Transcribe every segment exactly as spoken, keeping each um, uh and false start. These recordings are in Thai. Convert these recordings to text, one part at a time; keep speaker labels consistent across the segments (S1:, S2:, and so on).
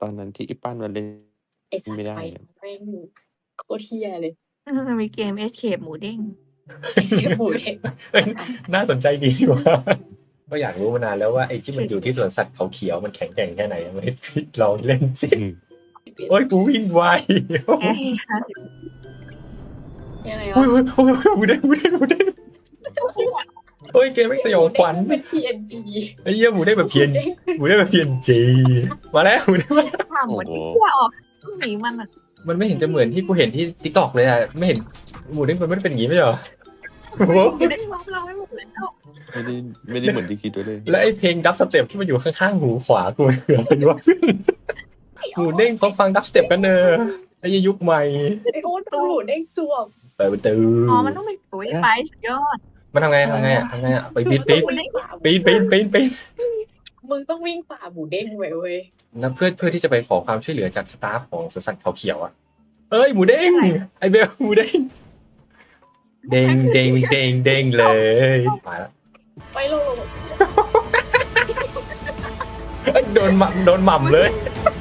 S1: ตอนนั้นที่อีปั้นมันเล่น
S2: ไอ้สัต
S1: ไม่
S2: ว์
S1: ได้
S2: ไป
S1: อะ
S2: แม่ง โคตรเหี้ยเลย
S3: เออ มันมีเกม Escape หมูเด้ง
S2: Escape หมูเด้ง
S4: เฮ้ย น่าสนใจดีดีว่า ก็อยากรู้มานานแล้วว่าไอ้ที่มันอยู่ที่สวนสัตว์เขาเขียวมันแข็งแกร่งแค่ไหนไม่ลองเล่นสิ
S1: อืม
S4: โอ๊ย กูวิ่งไว
S3: แค่ห้าสิบ
S2: ยังไง
S4: โอ๊
S2: วะ
S4: ย โอ๊ย โอ๊ย หมูเด้ง หมูเด้ง หมูเด้ง โอ๊ย เกมแม่งสยองขวัญ
S2: เป็น พี เอ็น จี
S4: ไอ้เหี้ยหมูเด้งแบบ
S2: ห
S4: พี เอ็น
S2: มูเด้ง
S4: หมูเด้งแบบ พี เอ็น จี มาแล้วหมูเด้งมาแล้ว
S3: ถามหมด
S1: โอ้
S3: ที่
S1: โห
S3: กลัวออกหนีมันอ่ะ
S4: มันไม่เห็นจะเหมือนที่กูเห็นที่ TikTok เลยอ่ะ ไม่เห็นหมูเด้งมันไม่ได้เป็นอย่างงี้ไม่ใช่เหรอโอ้โห
S3: หมูเด้งล็อกเราให้หมดเลยแล้ว
S1: ไม่ได้ไม่ได้เหมือนที่คิดไว้เลย
S4: แล้วไอ้เพลงดับสเต็ปที่มันอยู่ข้างๆหูขวากูมันคืออะไรวะ หมูเด้งเขาฟังดับสเต็ปกันเนอะไอ้ยุคใหม่
S2: ไอ้โอ๊ตหมูเด้งสวม
S4: เปิดประตู
S3: อ๋อ มันต้องไปโอ้ยไปสุดยอด
S4: มันทำไงทำไงอ่ะทำไงอ่ะไปปีนปีน
S2: มึงต้องวิ่งฝ่า
S4: ปีนปีนปีนปีน
S2: มึงต้องวิ่งฝ่าหมูเด้งไว้เว้ย
S4: นะเพื่อเพื่อที่จะไปขอความช่วยเหลือจากสตาฟของสวนสัตว์เขาเขียวอ่ะเอ้ยหมูเด้งไอเบลหมูเด้งเด้งเด้งเด้งเด้งเลยมาแล้ว
S2: ไปโลโล
S4: เอ้ยโดนหม่ำโดนหม่ำเลย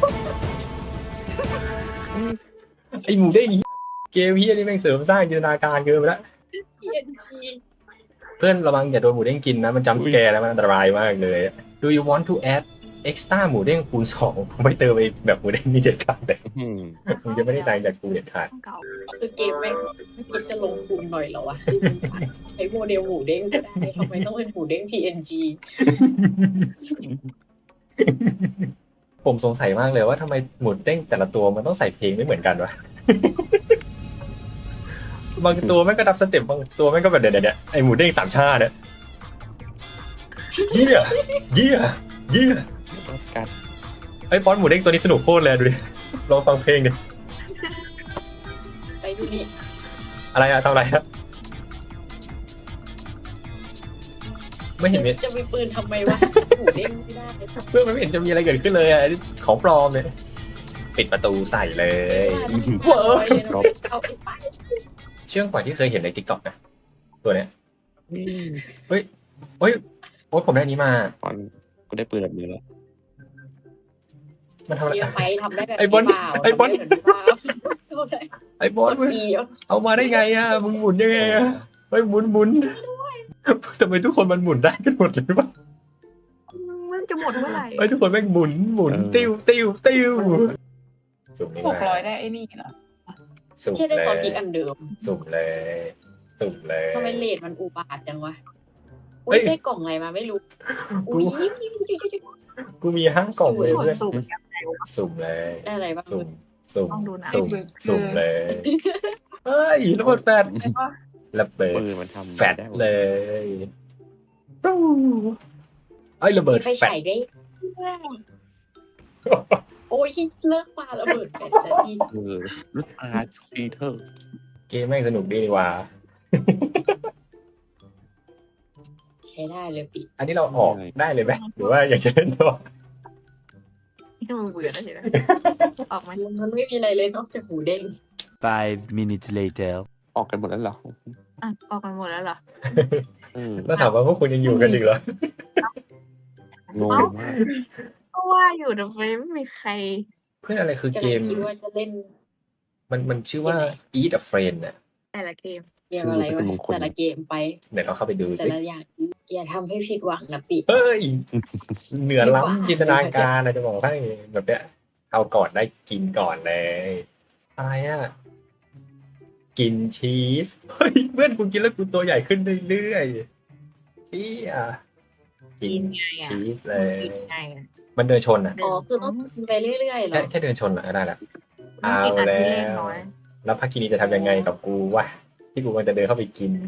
S4: ไอหมูเด้งเกมเฮียนี่แม่งเสริมสร้างจินตนาการเกินไปแล้ว
S2: พี เอ็น จี
S4: เพื่อนระวังอย่าโดนหมูเด้งกินนะมันจำสแกร์แล้วมันอันตรายมากเลย Do you want to add extra หมูเด้งคูณสองผมไปเติมไปแบบหมูเด้งนี่เด็ดขาดเลย
S1: อืม
S4: มึงจะไม่ได้ใจจากกูเด็ดขาด
S3: เก่า
S2: คือเกมแม่งไม่คิดจะลงทุนหน่อยเหรอวะคือมึงใช้โมเดลหมูเด้งก็ได้ทำไมต้องเป็นหมูเด้ง พี เอ็น จี
S4: ผมสงสัยมากเลยว่าทำไมหมูเด้งแต่ละตัวมันต้องใส่เพลงไม่เหมือนกันวะ บางตัวแม่งก็ดับสเต็ปบางตัวแม่งก็แบบเดี๋ยวเดี๋ยวไอหมูเด้งสามชาติเนี่ยเยี่ยเยี่ยเยี่ย
S1: กัด
S4: ไอฟอนต์หมูเด้งตัวนี้สนุกโคตรเลยดูดิลองฟังเพลงดิ
S2: ไปดูนี่
S4: อะไรอะทำอะไรอะไม่เห็นมี
S2: จะมีปืนทำไมวะหมูเด้งไม่ได้
S4: เพื่อนมันไม่เห็นจะมีอะไรเกิดขึ้นเลยอะของปลอมเนี่ยปิดประตูใส่เลย
S2: ว้าวเอาไปไป
S4: เชื่องกว่าที่เคยเห็นใน TikTok นะตัวเนี้ย
S1: อืม
S4: เฮ้ยโอ้ยผมได้อันนี้มา
S1: ตอนกูได้ปืนแบบนี้แล้ว
S4: มันทำอะไร
S2: เชียร์ไปทำได้แบบ
S4: ไอ้บอล
S2: นี้เปล่า
S4: ไอ้บอล
S2: ทำได้แบบนี้เปล่าเอาได้
S4: ไอ้บอส
S2: ก
S4: มึ
S2: ด
S4: ง
S2: อีอ่ะ
S4: เอามาได้ไงอะมึงหมุนยังไงอะเฮ้ยหมุนหมุนทำไมทุกคนมันหมุนได้กันหมดเลยวะ
S3: มันจะหมดเมื่อไหร่
S4: เฮ้ยทุกคนแม่งหมุนหมุนติ้วติ้วติ้วสุ่มนี่
S5: ห
S4: มาก
S5: ร้อยได้ไอ้นี่เหรอ
S4: สุ่ม
S2: เชื่อได้
S4: เล
S2: ซอสพริกอั
S4: ย
S2: นเดิม
S4: สุ่มเลยสุ่มเลย
S2: ทำไมเลทมันอุบาทจังวะ
S4: เฮ้
S2: อุ้
S4: ย
S2: ยได้กล่องอะไรมาไม่รู้
S4: กู
S2: อุ้ยยิ้มยิ้มยิ้มยิ้ม
S4: กูมีห้ากล่องเลย
S3: กด
S4: เพื่อน
S3: สูตรแบบไหนวะ
S4: สุ่มเลย
S2: ได้อะไรบ้าง
S4: สุ่มสุ่ม
S3: ต้องดูนะ
S4: สุ่มสุ่มเลยเฮ้ยระเบิดแฟดระเบิด
S1: ปืนมันทำ
S4: แฟด
S1: ได้หมด
S4: เลยปู้ไอ้ยระเบิด
S2: มีไฟ
S4: แฟด
S2: ฉายด้วยโอ้ยเลิกปาระเบิดแฟดแต่ที่
S1: เออลูกอาร์ตปีเตอร์
S4: เกมแม่งสนุกดีนี่หว่า
S2: ใช้ได้เลยปี
S4: อันนี้เราออกได้เลยไหมหรือว่าอยากจะเล่นต่อ
S3: ที่มึงเบื่อแล้วใช่ไหมออกมา
S2: มันไม่มีอะไรเลยนอกจากหมูเด้ง
S6: Five minutes later.
S1: ออกกันหมดแล้วเหรอ
S3: อ่ะออกกันหมดแล้วเหรอ
S1: อืม
S4: แล้วถามว่าพวกคุณยังอยู่กันอีกเหรอ
S1: งง
S3: เอ้า
S1: มาก
S3: ก็ว่าอยู่แต่ไม่มีใคร
S4: เพื่อนอะไรคือ
S2: จะ
S4: เกม
S2: คิดว่าจะเล่น
S4: มันมันชื่อว่า Eat a Friend น่ะ
S3: แต่ละเกม
S2: เกมอะไรวะแต่ละเกมไป
S4: เดี๋ยวเราเข้าไปดู
S2: แต่
S4: สิ
S2: ละอย่างอย่าทำให้ผิดหวังนะปี
S4: เฮ้ย เหนือล้ำจินตนาการนะจะบอกให้แบบเนี้ยเอาก่อนได้กินก่อนเลยอะไรอ่ะ กินชีส เฮ้ยเพื่อนกูกินแล้วกูตัวใหญ่ขึ้นเรื่อยๆชี้อ่ะกิน
S3: กินไงอ่ะ
S4: ชีสเลย
S3: กินไงอ่ะ
S4: มันเดินชนอ่ะ
S2: อ๋อคือต้องกินไปเรื่อยๆเหร
S4: แค่
S2: อ
S4: แค่เดินชนอ่ะก็ได้ละ
S3: ต้องกินอันที่เล่น
S4: เอาแล้ว
S3: น้อย
S4: แล้วพักกินีจะทำยังไงกับกูวะที่กูมันจะเดินเข้าไปกิน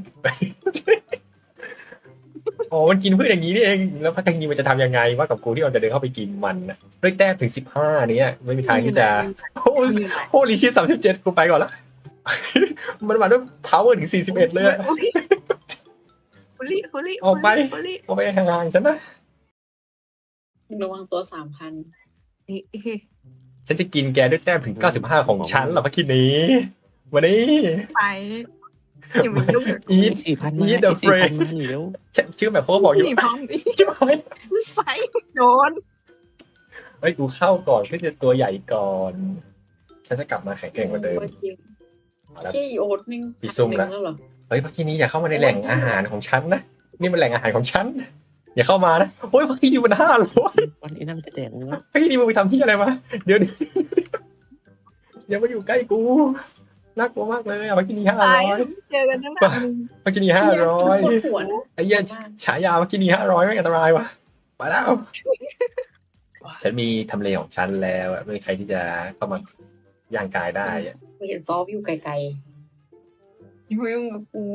S4: อ๋อมันกินเพื่ออย่างนี้นี่เองแล้วพักกินีมันจะทำยังไงว่ากับกูที่มันจะเดินเข้าไปกินมันนะด้วยแต้มถึงสิบห้าเนี้ยไม่มีทางที่จะโอ้ยโอ้ลิชิสามสิบเจ็ดกูไปก่อนละ มันมาด้วย power ถึงสี่สิบเอ็ดเลยอะ
S3: อุ๊ยคุลิคุลิ
S4: ออกไป
S3: คุลิ
S4: เอาไปห่างๆฉันนะ
S2: ระวังตัวสามพัน
S3: คุลิ
S4: ฉันจะกินแกด้วยแต้มถึงเก้าสิบห้าของฉันเหรอพักกินีวันนี้
S3: ไปอย่ามายุ่งกับกู
S4: อี
S1: สี่พันมา
S4: Eat the
S1: สี่พัน
S4: Friend
S1: มาเร็ว
S4: ชื่อแบบเขาก็บอกอยู่
S3: สี่พันดิ
S4: ชิบหาย
S3: ไปโดน
S4: เฮ้ยกูเข้าก่อนเพื่อจะตัวใหญ่ก่อนฉันจะกลับมาแข็งแกร่งกว่าเดิม
S2: เชี่ยอีโอ๊ตนี่
S4: พี่ซุ่ม
S2: ห
S4: ละ
S2: นึ่งแล้วเหรอ
S4: เฮ้ยพักทีนี้อย่าเข้ามาในแหล่งอาหารของฉันนะนี่มันแหล่งอาหารของฉันอย่าเข้ามานะโอ้ยพักทีนี้มันห้าร้อย
S1: วันนี้น่าจะแดกมึงแล้ว
S4: พักทีนี้มึงไปทำที่อะไรมาเดี๋ยวดิอย่ามาอยู่ใกล้กูน่ากลัวมากเลยอะพักทีนี้ห้า
S3: ตา
S4: ร้
S3: ย
S4: อย
S3: เจอกันตั้งนาน
S4: พักทีนี้ห้าร้อย
S2: เชี่ยปวดหัวนะ
S4: ไอ้เหี้ยฉายาพักทีนี้ห้าร้อยไม่อันตรายวะไปแล้วฉันมีทำเลของฉันแล้วอะไม่มีใครที่จะเข้ามาย่างกายได้อะ
S2: ไม่เห็นซอฟอยู่ไกล
S5: อย่ามายุ่งกับกู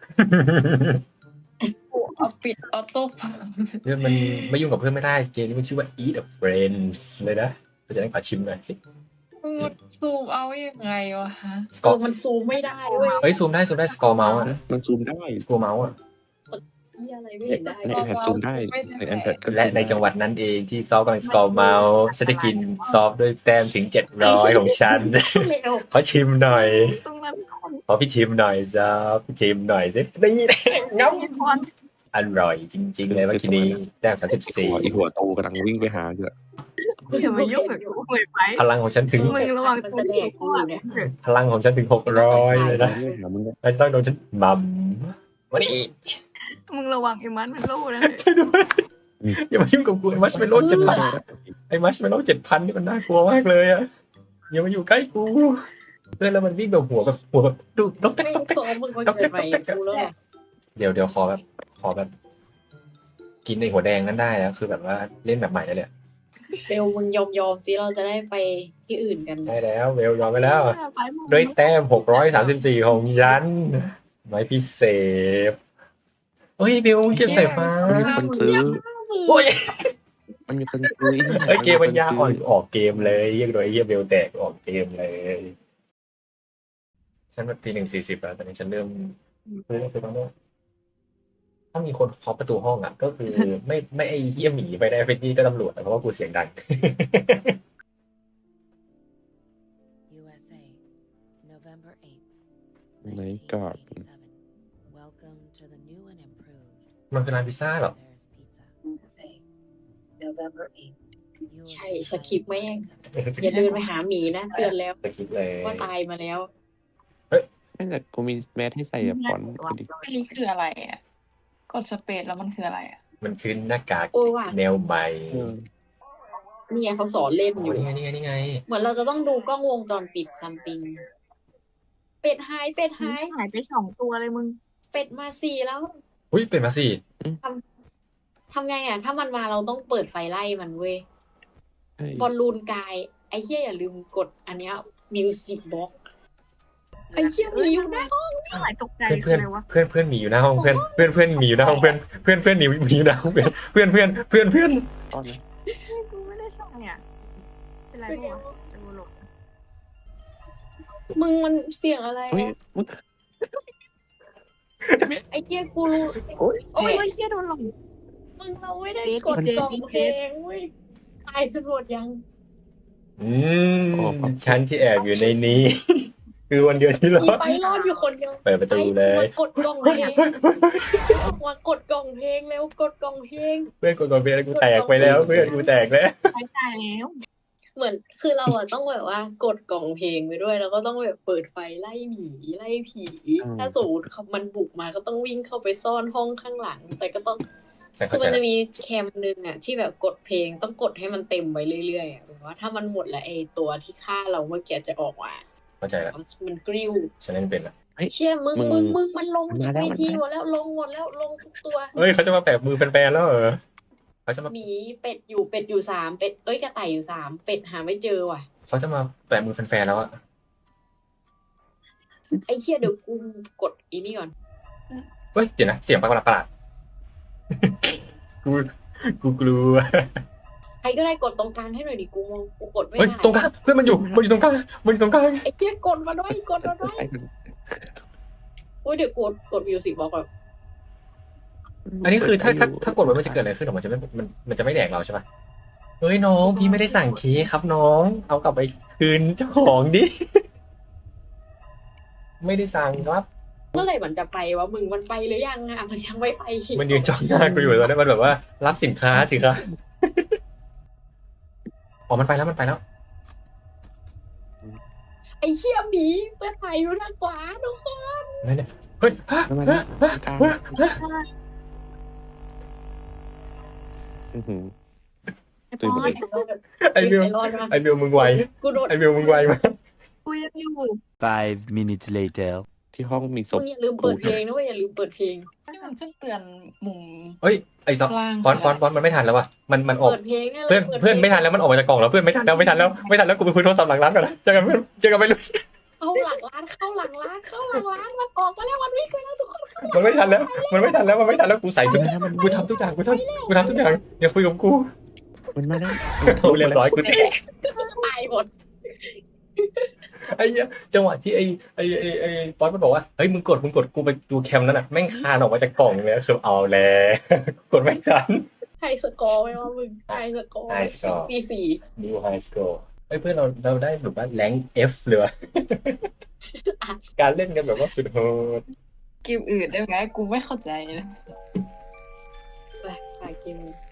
S5: กูเอาปิดออโต้
S4: เนี่ยมันไม่ยุ่งกับเพื่อนไม่ได้เกมนี้มันชื่อว่า Eat a Friends เลยนะเราจะได้ขอชิมหน่อยสิ
S5: มึงซูมเอายังไงวะฮะ
S4: ส
S2: ๆ
S4: กอ
S2: เอ
S4: ร์
S2: อมันซูมไม่ได้เว้ย
S4: เฮ้ยซูมได้ซูมได้สกอร์เมาส์อะ
S1: มันซูมได้
S4: สกอร์เมาส์อะ
S2: เหี้ยอะไรไม่เห็นได้
S1: ใน iPad ซูมได้ใน iPad ก็
S4: และในจังหวัดนั้นเองที่ซอฟกำลังสกอร์เมาส์ฉันจะกินซอฟด้วยแต้มถึงเจ็ดร้อยของฉัน
S2: เร็ว
S4: ขอชิมหน่อย
S3: ตรงนั้นคน
S4: ขอพี่ชิมหน่อยซอฟพี่ชิมหน่อยสินี่แหละงับ
S3: มีคน
S4: อร่อยจริงๆเลยเมื่อกี้นี้แต้มสามสิบ
S1: หั
S4: สี่
S1: วอีหัวโตกำลังวิ่งไปหาอยู่อะ
S3: อย่ามายุ่งกับกูเลยไป
S4: พลังของฉันถึง
S3: มึงระวังตัวกูข้างหลังเถอะ
S4: พลังของฉันถึงหกร้อยเลยนะ
S1: หามึงเนี่ย
S4: แล้วจะต้องโดนฉันมัมวันนี้
S3: มึงระวังไอ้มันมันโล่นะ
S4: ช่วยด้วยอย่ามายุ่งกับกูไอ้มัชเมลโล่เจ็ดพันไอ้มัชเมลโล่เจ็ดพันนี่มันน่ากลัวมากเลยอะอย่ามาอยู่ใกล้กูเพื่อนแล้วมันวิ่งแบบหัวแบบหัวแบบดูดก
S2: ๆไม่ซ้อมมึงมาเกิดใหม่กูแล้วอะ
S4: เดี๋ยวเดี๋ยวขอแบบขอแบบ กินในหัวแดงนั้นได้แล้วคือแบบว่าเล่นแบบใหม่แล้วเนี่ย
S2: เร็วมึงยอมยอมๆสิเราจะได้ไปที่อื่นกัน
S4: ได้แล้วเวลยอมไปแล้ว
S3: ไปมึง
S4: ด้วยแต้มหกร้อยสามสิบสี่ของฉันไม้พิเศษเฮ้ยเบลมึงเก็บสายฟ้า
S1: มันมีคนซื้อ
S4: โอ้ย
S1: มันมีคนซื้อ
S4: เฮ้ยเกมมันยากอ่อนออกเกมเลยเรียกโดยไอ้เฮียเบลแตกออกเกมเลย ฉันแบบทีหนึ่งสี่สิบแล้วตอนนี้ฉันเริ่มเริ่มไปต้องถ้ามีคนเคาะประตูห้องอ่ะ ก็คือ ไม่ไม่ไอ้เฮียหมีไปได้ไปนี่ก็ตำรวจอะเพราะว่ากูเสียงดัง
S7: ยู เอส เอ November eighth,
S1: ในก่อน
S7: nineteen eighty-seven. Welcome to the new and improved
S4: มันคือร้านพิซซ่าเหรอ
S7: Bear's Pizza.
S2: November eighth
S7: You
S2: ใช่
S7: will
S2: สคริปต์
S7: find
S2: แม่ง
S7: welcome.
S2: อย่าเดินไปหาหมีนะเตือนแล้ว
S4: สคริปต์เลย
S2: ว่าตายมาแล้ว
S1: นั่นแหละกูมีแมสให้ใส่อะฟอนต์พอดี
S5: อันนี้คืออะไรอ่ะกดสเปซแล้วมันคืออะไรอ่ะ
S4: มันคือหน้ากาก
S2: โอ้ว่ะ
S4: แนวใหม่
S1: เออ
S2: เนี่ยเขาสอนเล่น
S4: อ๋
S2: อ
S4: อยู่ นี่ไงนี่ไงนี่ไง
S2: เหมือนเราจะต้องดูกล้องวงจรปิดซัมปิง เป็ดหายเป็ดหาย
S3: หายไปสองตัวเลยมึง
S2: เป็ดมาสี่แล้ว
S4: อุ้ยเป็นมาสิ
S2: ทำไงอ่ะ ถ้ามันมาเราต้องเปิดไฟไล่มันเว้ย
S1: เฮ้ย
S2: บอลลูนกาย ไอ้เหี้ยอย่าลืมกดอันเนี้ยมิวสิกบ็อกไอ้เหี้ยมีอยู่นะ
S3: หายตกใจ
S4: เพื่อน
S3: คือ
S4: เพื่อน
S3: อะไรวะ
S4: เพื่อนเพื่อนหมีอยู่หน้าห้องเพื่อนเพื่อนเพื่อนหมีอยู่หน้าห้องเพื่อนเพื่อนเพื่อนหนีหมีอยู่หน้าห้องเพื่อนเพื่อนเพื่อนเพื่อนเพื่อน
S1: ตอนนี้
S3: กูไม่ได้สั่งเนี่ยเป็นไรบ้างวะจะกูหลบ
S2: มึงมันเสียงอะไร
S1: เฮ้ยว
S2: ะ
S1: มึง
S2: ไอ้เหี้ยกูรู้
S1: โอ๊ย
S2: โอ้
S3: โอ้
S2: ย
S3: ยเชี่ยโดนหลง
S2: มึงเราไม่ได้
S3: เด็ก
S2: กด
S3: เด็ก
S2: กล่อง
S3: เด็ก
S2: เพลงเว้ยตายตำรวจยัง
S4: อืมฉันที่แอบอยู่ในนี้ คือวันเดียวที่ร
S2: อี
S4: อด
S2: ไปรอดอยู่คนเดียว
S4: เปิดประตูเลย
S2: มากดกล่องเพลงมากดกล่องเพลงแล้วกดกล่องเพลง
S4: เพื่อนกูกดเพื่อนกูแตกไปแล้ว เพื่อนกูแตกแล้ว
S3: ไปตายแล้ว
S2: เหมือนคือเราอะต้องแบบว่ากดกล่องเพลงไปด้วย แล้วก็ต้องแบบเปิดไฟไล่หมีไล่ผี ถ้าสมมติมันบุกมาก็ต้องวิ่งเข้าไปซ่อนห้องข้างหลัง แต่ก็ต้อง
S4: ฉัน
S2: คื
S4: เข้า
S2: อ
S4: ใจ
S2: มัน
S4: แล้
S2: จะ
S4: ว
S2: มีแคมหนึ่งอะที่แบบกดเพลงต้องกดให้มันเต็มไว้เรื่อยๆอะแบบว่าถ้ามันหมดแล้วไอ้ตัวที่ฆ่าเราเมื่อกี้จะออกมา
S4: เข้าใจแล้ว
S2: มันกริ้ว
S4: ฉันเล่นเป็นละ
S2: เชี่ยมึง
S1: มึง
S2: มึงมึงมันลง
S1: มาแล้ว
S2: เว
S1: มัน
S2: ที
S1: มา
S2: หมดแล้วลงหมดแล้วลงทุกตัว
S4: เฮ้ยเขาจะมาแปะมือแฟนๆแล้วเหรอเขาจะมา
S2: หมีเป็ดอยู่เป็ดอยู่สามเป็ดเอ้ยกระต่ายอยู่สามเป็ดหาไม่เจอว่ะ
S4: เขาจะมาแปะมือแฟนๆแล้วอะ
S2: ไอ้เชี่ยเดี๋ยวกูกดอีนี่ก่อน
S4: เฮ้ยเดี๋ยวนะเสียงประหลาดประหลาดกูกูกลัว
S2: ใครก็ได้กดตรงกลางให้หน่อยดิกูมองกูกดไม่
S4: เฮ้ย
S2: ได้
S4: ตรงกลางเพื่อนมันอยู่มันอยู่ตรงกลางมันอยู่ตรงกลาง
S2: ไอ้เชี่ยกดมาด้วยกดมาด้วย
S1: ใส่มัน
S2: โอ้ยเดี๋ยวกดกดมิวสิกบอกแบบ
S4: อันนี้คือถ้าถ้าถ้ากดไว้มันจะเกิดอะไรขึ้นหรอมันจะไม่มันมันจะไม่แดกเราใช่ปะเฮ้ยน้องพี่ไม่ได้สั่งเค้กครับน้อง เอากลับไปคืนเจ้าของดิ ไม่ได้สั่งครับ
S2: เมื่อไหร่มันจะไปวะมึงมันไปหรือยังอะมันยังไม่ไป
S4: มันยืนจ้องหน้ากูอยู่ตอนนี้มันแบบว่ารับสินค้าสิครับอ๋อมันไปแล้วมันไปแล้ว
S2: ไอ้เหี้ยหมีเปิดไฟอยู่ทางขวาทุกคน
S4: ไม่เนี่ยเฮ้ย
S1: แล้วมันกลางอื้อหือ
S3: ไอ้
S1: ตื่น
S3: ปอ
S1: ไป
S3: น
S4: ไอ้บิว
S2: ใครรอดมา
S4: ไอ้บิวมึงไว
S2: กูโดน
S4: ไอ้บิวมึงไวมาก
S3: กูยังอยู่
S6: Five minutes later.
S1: ที่ห้องมีศ
S2: มึ
S1: พ
S2: งอย่าลืมเปิดเพลงนะเว้ยอย่าลืมเปิดเพลง
S5: ที่มันขึ้นเตือนมุม
S4: เฮ้ยไอ้ซอ
S5: กลาง
S4: ฟอนฟอนฟอนมันไม่ทันแล้วว่ะมันมันออก
S2: เปิดเพลงนี่ย
S4: เพื่อนเพื่อนไม่ทันแล้วมันออกมาจากกล่องแล้วเพื่อนไม่ทันแล้วไม่ทันแล้วไม่ทันแล้วกูไปคุยโทรศัพท์หลังร้านก่อนนะเจอกันเพื่อนเจอกันไปเลย
S2: เข้าหลังร้านเข้าหลังร้านเข้าหลังร้านมันออกมาแล้วมันวิ่งไปแล้วทุกคน
S4: มันไม่ทันแล้ว มันไม่ทันแล้วมันไม่ทันแล้วกูใส่ทุกกูทำทุกอย่างกูทำกูทำทุกอย่างอย่าคุยกับกู
S1: มันมาแล้ว
S4: กูเรียบร้อยกูแตก
S2: ตายหมด
S4: ไอ้เหี้ยจังหวะที่ไอ้ไอ้ไอ้ไอ้ฟอนมันบอกว่าเฮ้ยมึงกดมึงกดกูไปดูแคมนั้นน่ะแม่งคานออกมาจากกล่องเลยคือเอาแล้วกดไม่ทัน
S2: ไฮสกอร์ไหมว่ามึงไฮสกอร์
S4: ไฮสกอร์
S2: ตีสี่
S4: ดูไฮสโกร์เฮ้ยเพื่อนเราเราได้แบบว่าแรง F เลยว่ะการเล่นกันแบบว่าสุดโหด
S5: เกมอื่นได้ไหมกูไม่เข้าใจเลย
S2: ไปไปกิน